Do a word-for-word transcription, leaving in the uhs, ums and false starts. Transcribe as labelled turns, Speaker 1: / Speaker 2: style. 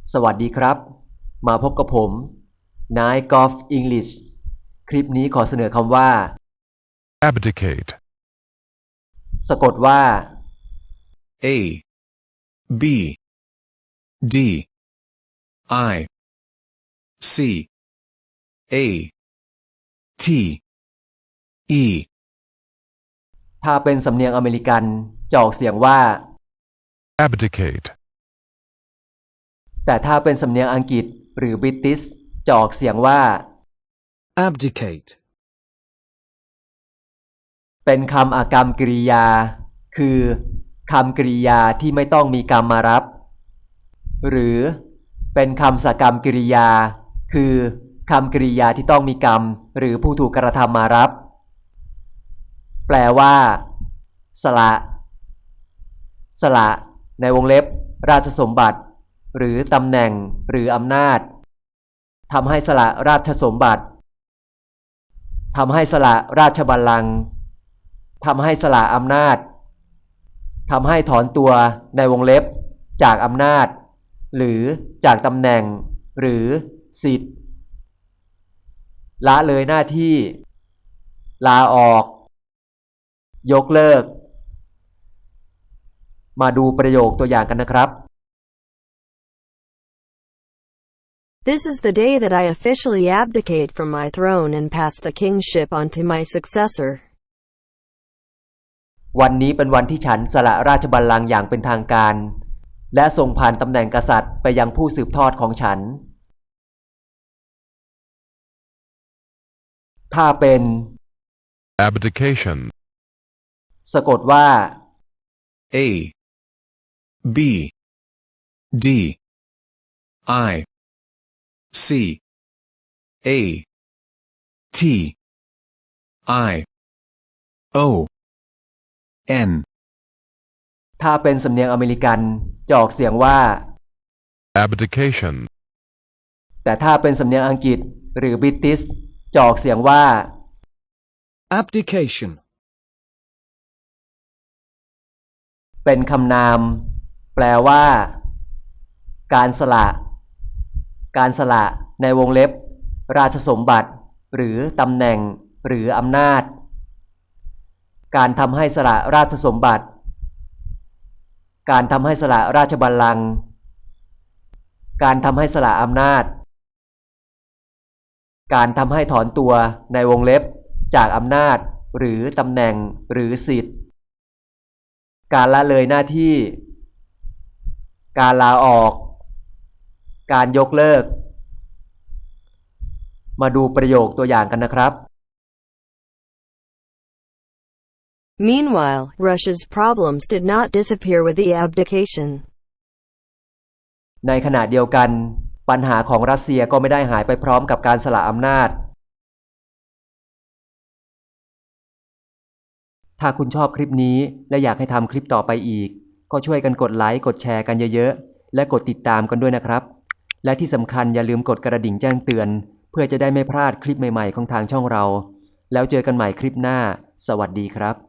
Speaker 1: สวัสดีครับมาพบกับผมนายกอล์ฟอังกฤษคลิปนี้ขอเสนอคำว่า
Speaker 2: abdicate
Speaker 1: สะกดว่า
Speaker 3: A B D I C A T E
Speaker 1: ถ้าเป็นสำเนียงอเมริกันจะออกเสียงว่า
Speaker 2: abdicate
Speaker 1: แต่ถ้าเป็นสำเนียงอังกฤษหรือบริติชจะออกเสียงว่า
Speaker 4: abdicate
Speaker 1: เป็นคำอากรรมกริยาคือคำกริยาที่ไม่ต้องมีกรรมมารับหรือเป็นคำสกรรมกริยาคือคำกริยาที่ต้องมีกรรมหรือผู้ถูกกระทำมารับแปลว่าสละสละในวงเล็บราชสมบัติหรือตำแหน่งหรืออำนาจทำให้สละราชสมบัติทำให้สละราชบัลลังก์ทำให้สละอำนาจทำให้ถอนตัวในวงเล็บจากอำนาจหรือจากตำแหน่งหรือสิทธิ์ละเลยหน้าที่ลาออกยกเลิกมาดูประโยคตัวอย่างกันนะครับ
Speaker 5: This is the day that I officially abdicate from my throne and pass the kingship on to my successor.
Speaker 1: วันนี้เป็นวันที่ฉันสละราชบัลลังก์อย่างเป็นทางการและส่งผ่านตำแหน่งกษัตริย์ไปยังผู้สืบทอดของฉันถ้าเป็น
Speaker 2: abdication
Speaker 1: สะกดว่า
Speaker 3: A B D I C A T I O N
Speaker 1: ถ้าเป็นสำเนียงอเมริกันจะออกเสียงว่า
Speaker 2: abdication
Speaker 1: แต่ถ้าเป็นสำเนียงอังกฤษหรือบริติชจะออกเสียงว่า
Speaker 4: abdication
Speaker 1: เป็นคำนามแปลว่าการสละการสละในวงเล็บราชสมบัติหรือตำแหน่งหรืออำนาจการทำให้สละราชสมบัติการทำให้สละราชบัลลังก์การทำให้สละอำนาจการทำให้ถอนตัวในวงเล็บจากอำนาจหรือตำแหน่งหรือสิทธิ์การละเลยหน้าที่การลาออกการยกเลิกมาดูประโยคตัวอย่างกันนะครับ
Speaker 5: Meanwhile, Russia's problems did not disappear with the abdication.
Speaker 1: ในขณะเดียวกันปัญหาของรัสเซียก็ไม่ได้หายไปพร้อมกับการสละอำนาจถ้าคุณชอบคลิปนี้และอยากให้ทำคลิปต่อไปอีกก็ช่วยกันกดไลค์กดแชร์กันเยอะๆและกดติดตามกันด้วยนะครับและที่สำคัญอย่าลืมกดกระดิ่งแจ้งเตือนเพื่อจะได้ไม่พลาดคลิปใหม่ๆของทางช่องเราแล้วเจอกันใหม่คลิปหน้าสวัสดีครับ